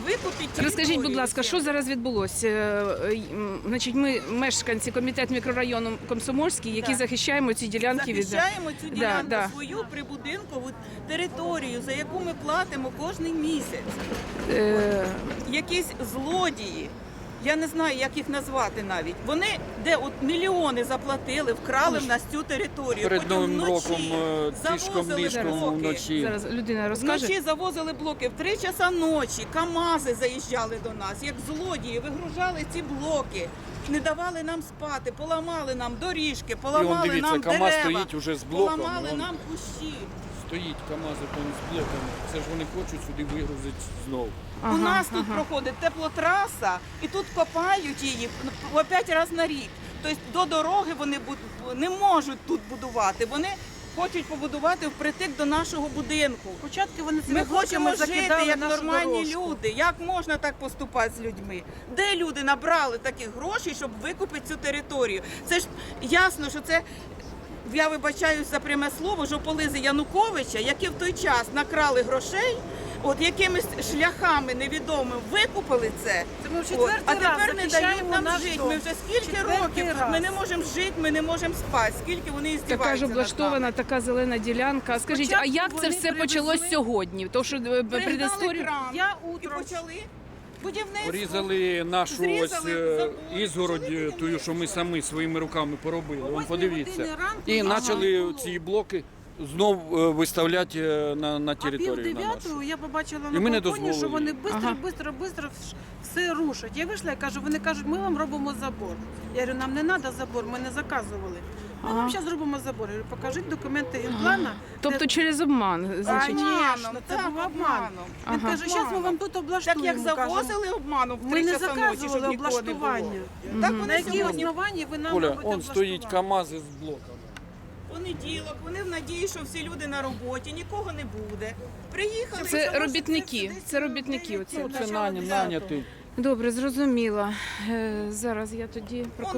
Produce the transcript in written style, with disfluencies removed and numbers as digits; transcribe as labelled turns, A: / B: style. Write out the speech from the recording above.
A: викупіть територію.
B: Розкажіть, будь ласка, що зараз відбулося? Значить, ми мешканці комітету мікрорайону Комсомольський, які
A: Так.
B: захищаємо ці ділянки від...
A: Захищаємо цю ділянку,
B: да.
A: свою прибудинкову територію, за яку ми платимо кожен місяць. Якісь злодії, я не знаю, як їх назвати навіть. Вони, де от мільйони заплатили, вкрали в нас цю територію.
C: Перед
A: Потім
C: Новим
A: вночі
C: роком тишком-нишком
A: блоки.
C: вночі.
B: Зараз людина розкаже.
A: Вночі завозили блоки в 3 часа ночі, КАМАЗи заїжджали до нас, як злодії, вигружали ці блоки, не давали нам спати, поламали нам доріжки, поламали
C: дивіться,
A: нам
C: КАМАЗ
A: дерева,
C: стоїть уже з блоком,
A: поламали
C: вон.
A: нам кущі.
C: Стоїть КАМАЗи там з блоками. Це ж вони хочуть сюди вигрузити знову.
A: У нас тут проходить теплотраса, і тут копають її по 5 разів на рік. Тобто до дороги вони не можуть тут будувати. Вони хочуть побудувати впритик до нашого будинку.
D: Початки вони
A: Ми хочемо жити як нормальні
D: дорожку.
A: люди. Як можна так поступати з людьми? Де люди набрали таких грошей, щоб викупити цю територію? Це ж ясно, що це, я вибачаюсь за пряме слово, жополизи Януковича, які в той час накрали грошей, от якимись шляхами невідомими викупили це.
D: Це ми в
A: От,
D: четвертий
A: а
D: раз
A: тепер не дають
D: захищаємо
A: нам
D: наш
A: жити.
D: дом.
A: Ми вже скільки
D: Четвертий
A: років тут,
D: раз.
A: ми не можемо жити, ми не можемо спати. Скільки вони
B: Така ж
A: здіваються над нами.
B: облаштована, така зелена ділянка. Скажіть, а
D: Спочатку
B: як це
D: вони
B: все
D: привезли-
B: почалось сьогодні? То, що
A: Пригнали
B: предісторію...
A: кран
D: Я
A: і
D: утром
A: почали будівництво.
C: Порізали нашу
A: Зрізали
C: ось
A: забор,
C: ізгородь,
A: почали
C: тую, що ми самі своїми руками поробили.
D: О
C: Вон
D: 8
C: подивіться.
D: годині ранку
C: І
D: ага.
C: почали
D: було.
C: ці блоки знов виставляти на
D: А пів
C: територію на нашу.
D: дев'ятого я побачила
C: І
D: на
C: ми не
D: балконі, що
C: дозволили.
D: вони швидко все рушать. Я вийшла і кажу, вони кажуть, ми вам робимо забор. Я говорю, нам не треба забор, ми не заказували. Ми вам зараз зробимо забор. Я говорю, покажіть документи генплана.
B: Тобто через обман, значить.
D: Звісно, це
A: так,
D: був обман.
A: обманом.
D: Він каже, зараз ми вам тут
A: Так
D: облаштуємо.
A: як
D: кажемо.
A: завозили обманом в
D: Ми
A: 3
D: не
A: часа ночі, щоб
D: заказували
A: нікого не було.
D: облаштування.
A: Так
D: На
A: вони
D: якій
A: сьогодні
D: основанні ви нам
C: Коля,
D: робите
C: он стоїть
D: облаштування?
C: КАМАЗи з блоками.
A: понеділок, вони в надії, що всі люди на роботі, нікого не буде. Приїхали. і
B: Це
A: залишили
B: робітники,
A: десь
B: це робітники оці.
C: Ну, це
A: начало
C: наняті.
B: Добре, зрозуміла. Зараз я тоді